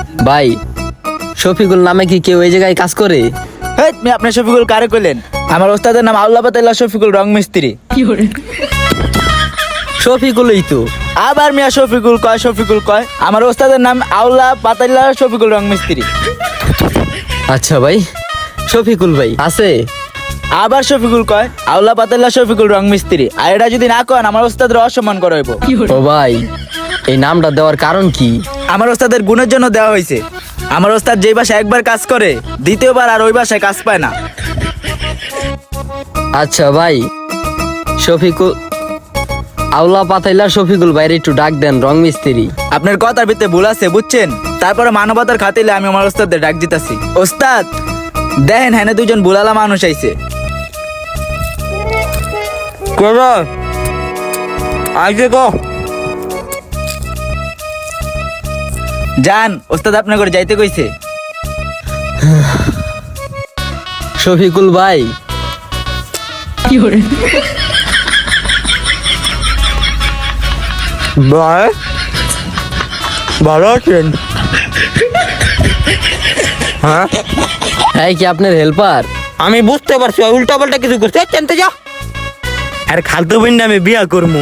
ভাই, শফিকুল নামে কি কেউ এই জায়গায় কাজ করে? হেই, আপনি শফিকুল কারে কইলেন? আমার ওস্তাদের নাম আউলা পাতাইল্লা শফিকুল রং মিস্ত্রি। শফিকুলই তো। আবার মিয়া শফিকুল কয় আমার ওস্তাদের নাম আউলা পাতাইল্লা শফিকুল রং মিস্ত্রি। আচ্ছা ভাই, শফিকুল ভাই আছে? আবার শফিকুল কয় আউলা পাতাইল্লা শফিকুল রং মিস্ত্রি। আর এটা যদি না কন আমার ওস্তাদের অসম্মান করা হইব। ও ভাই, এই নামটা দেওয়ার কারণ কি? আমার ওস্তাদের গুণের জন্য দেওয়া হয়েছে। আমার ওস্তাদ যেই বাসায় একবার কাজ করে দ্বিতীয়বার আর ওই বাসায় কাজ পায় না। আচ্ছা ভাই, শফিকুল আউলা পাতাইলা শফিকুল ভাইয়ের একটু ডাক দেন রং মিস্ত্রি। আপনার কথার ভিতরে ভুল আছে বুঝছেন, তারপরে মানবতার খাতিলে আমি আমার ওস্তাদের ডাক দিতাছি। ওস্তাদ দেখেন, হ্যাঁ দুজন বুলালা মানুষ আইছে। যান, ওস্তাদ আপনার করে যাইতে কইছে। শফিকুল ভাই, ভাই ভালো আছেন? হ্যাঁ, হ্যাঁ কি আপনার হেল্পার? আমি বুঝতে পারছি উল্টা পাল্টা কিছু করছে। জানতে যা আর খালতো বোন আমি বিয়া করবো।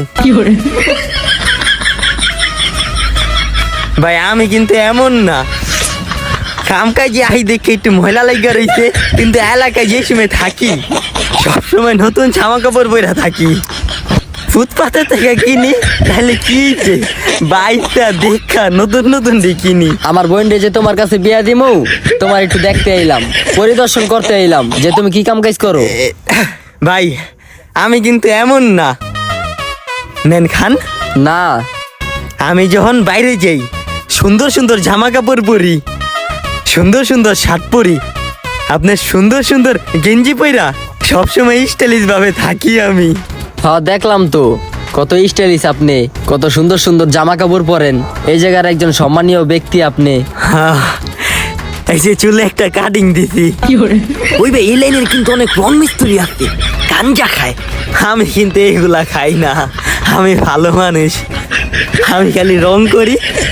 ভাই আমি কিন্তু এমন না, কাম কাজে আই দেখে একটু ময়লা লাগিয়া রয়েছে, কিন্তু এলাকায় যে সময় থাকি সবসময় নতুন জামা কাপড় পরে থাকি। ফুটপাতে থেকে কিনি তাহলে কি যে বাইকটা দেখা নতুন নতুন কিনি। আমার বোনরে যে তোমার কাছে বিয়া দিমু, তোমার একটু দেখতে আইলাম, পরিদর্শন করতে আইলাম যে তুমি কি কাম কাজ করো। ভাই আমি কিন্তু এমন না, নেন খান। না, আমি যখন বাইরে যাই সুন্দর সুন্দর জামা কাপড় পরি, সুন্দর সুন্দর শার্ট পরি, আপনার সুন্দর সুন্দর গেঞ্জি পইরা সবসময় স্টাইলিশ ভাবে থাকি আমি। হ্যাঁ দেখলাম তো, কত স্টাইলিশ আপনি, কত সুন্দর সুন্দর জামা কাপড় পরেন। এই জায়গার একজন সম্মানীয় ব্যক্তি আপনি। হ্যাঁ, এই যে চুলে একটা কাটিং দিছি। ওই ভাই এই লাইনের কিন্তু অনেক রং মিস্ত্রি আছে, গাঞ্জা খায়। আমি কিন্তু এগুলা খাই না, আমি ভালো মানুষ, আমি খালি রং করি।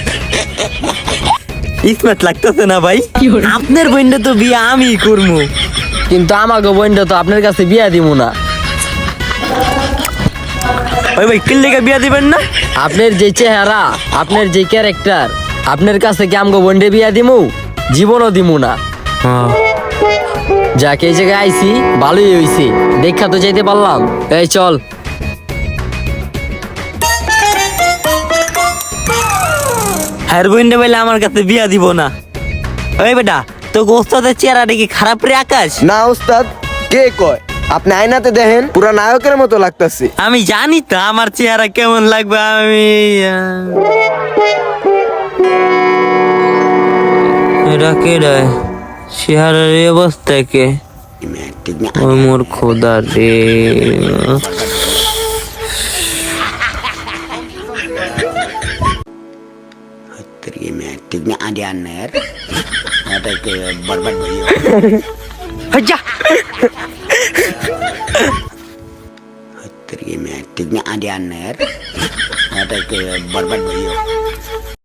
স্মার্ট লাগতেছে না ভাই? আপনার বোনটা তো বিয়ে আমি করবো, কিন্তু আমাকে বোনটা তো আপনার কাছে বিয়া দিমু না। ওই ভাই কিল্লিকে বিয়ে দিবেন না? আপনার যে চেহারা, আপনার যে ক্যারেক্টার, আপনার কাছে কি আমগো বোনরে বিয়া দিমু? জীবনও দিমু না। যাকে এই জায়গায় আইছি ভালোই হইছে, দেখা তো যাইতে পারলাম। এই চল। হ্যার বোনটা বলে আমার কাছে বিয়া দিব না। ওই বেটা তো ওস্তাদের চেহারাটা কি খারাপ রে আকাশ? না ওস্তাদ, কে কয়? আপনি আয়নাতে দেখেন পুরা নায়কের মতো লাগতাছে। আমি জানি তো আমার চেহারা কেমন লাগবে। আমি এটা কে রে? চেহারার এই অবস্থা কে? ওই মোর খোদা রে। Hajah. Terima kasih, Adi Aner. Ada ke berbat beliau.